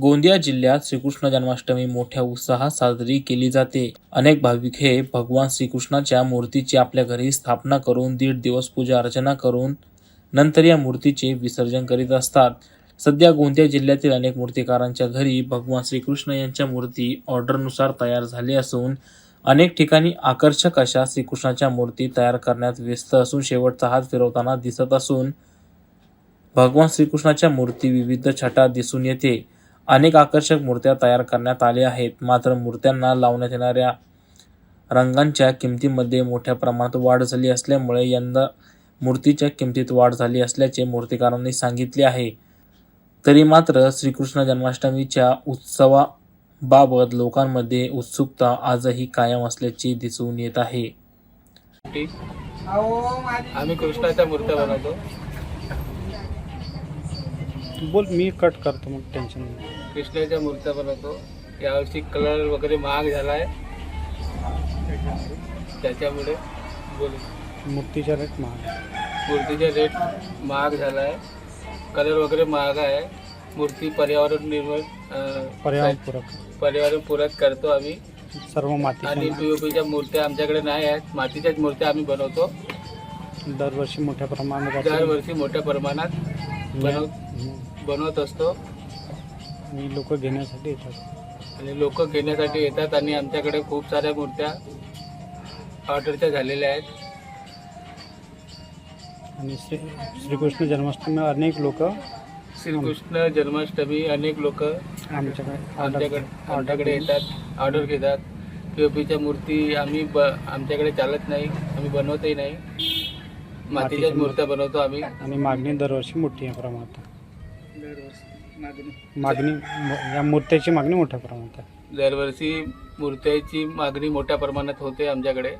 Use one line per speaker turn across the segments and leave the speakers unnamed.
गोंदिया जिल्ह्यात श्रीकृष्ण जन्माष्टमी मोठ्या उत्साहात साजरी केली जाते। अनेक भाविक हे भगवान श्रीकृष्णाच्या मूर्तीची आपल्या घरी स्थापना करून 1.5 दिवस पूजा अर्चना करून नंतर या मूर्तीचे विसर्जन करीत असतात। सध्या गोंदिया जिल्ह्यातील अनेक मूर्तिकारांच्या घरी भगवान श्रीकृष्ण यांच्या मूर्ती ऑर्डरनुसार तयार झाली असून अनेक ठिकाणी आकर्षक अशा श्रीकृष्णाच्या मूर्ती तयार करण्यात व्यस्त असून शेवटचा हात फिरवताना दिसत असून भगवान श्रीकृष्णाच्या मूर्ती विविध छटा दिसून येते। अनेक आकर्षक मूर्त्या तयार करण्यात आल्या आहेत, मात्र मूर्त्यांना लावण्यात येणाऱ्या रंगांच्या किमतीमध्ये मोठ्या प्रमाणात वाढ झाली असल्यामुळे यंदा मूर्तीच्या किमतीत वाढ झाली असल्याचे मूर्तिकारांनी सांगितले आहे। तरी मात्र श्रीकृष्ण जन्माष्टमीच्या उत्सवाबाबत लोकांमध्ये उत्सुकता आजही कायम असल्याचे दिसून येत आहे।
आम्ही कृष्णाच्या मूर्त्या बनवतो।
बोल, मी कट करतो, मग टेन्शन नाही।
कृष्णाच्या मूर्त्या बनवतो। यावर्षी कलर वगैरे महाग झाला आहे, त्याच्यामुळे
मूर्तीचा रेट
महाग झाला आहे, कलर वगैरे महाग आहे। मूर्ती पर्यावरणपूरक करतो आम्ही
सर्व माती
आणि पीओपीच्या मूर्त्या आमच्याकडे नाही आहेत, मातीच्याच मूर्त्या आम्ही बनवतो।
दरवर्षी मोठ्या प्रमाणात बनवत असतो आणि लोक घेण्यासाठी
येतात आणि आमच्याकडे खूप साऱ्या मूर्त्या ऑर्डरच्या झालेल्या आहेत।
आणि श्रीकृष्ण जन्माष्टमी अनेक लोक
आमच्याकडे येतात, ऑर्डर घेतात। पीओपीच्या मूर्ती आमच्याकडे चालत नाही, आम्ही बनवतही नाही, मातीच्याच मूर्त्या बनवतो आम्ही।
आणि मागणी दरवर्षी मोठी आहे प्रमाणात, या मूर्त्याची मागणी मोठ्या प्रमाणात आहे।
दरवर्षी मूर्त्याची मागणी मोठ्या प्रमाणात होते आमच्याकडे।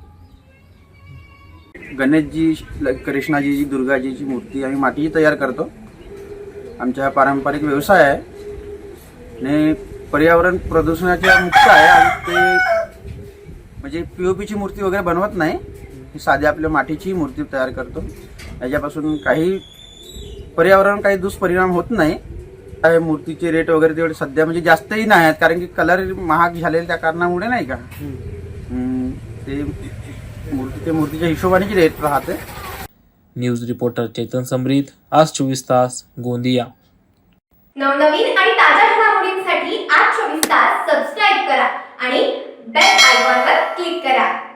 गणेशजी, कृष्णाजीची, दुर्गाजीची मूर्ती आम्ही मातीची तयार करतो। आमचा पारंपरिक व्यवसाय आहे आणि पर्यावरण प्रदूषणाच्या मुक्त आहे। आणि ते म्हणजे पीओपीची मूर्ती वगैरे बनवत नाही, साध्या आपल्या मातीची मूर्ती तयार करतो। याच्यापासून काही दुष्परिणाम होत नाही। मूर्तीचे रेट वगैरे तेवढे सध्या म्हणजे जास्तही नाही आहेत, कारण की कलर महाग झालेले त्या कारणामुळे नाही का, ते मूर्तीच्या हिशोबाने रेट राहते।
न्यूज रिपोर्टर चेतन समरीत, आज 24 तास, गोंदिया।
नवनवीन आणि ताज्या घडामोडींसाठी आज 24 तास सबस्क्राइब करा आणि बेल आयकॉनवर क्लिक करा।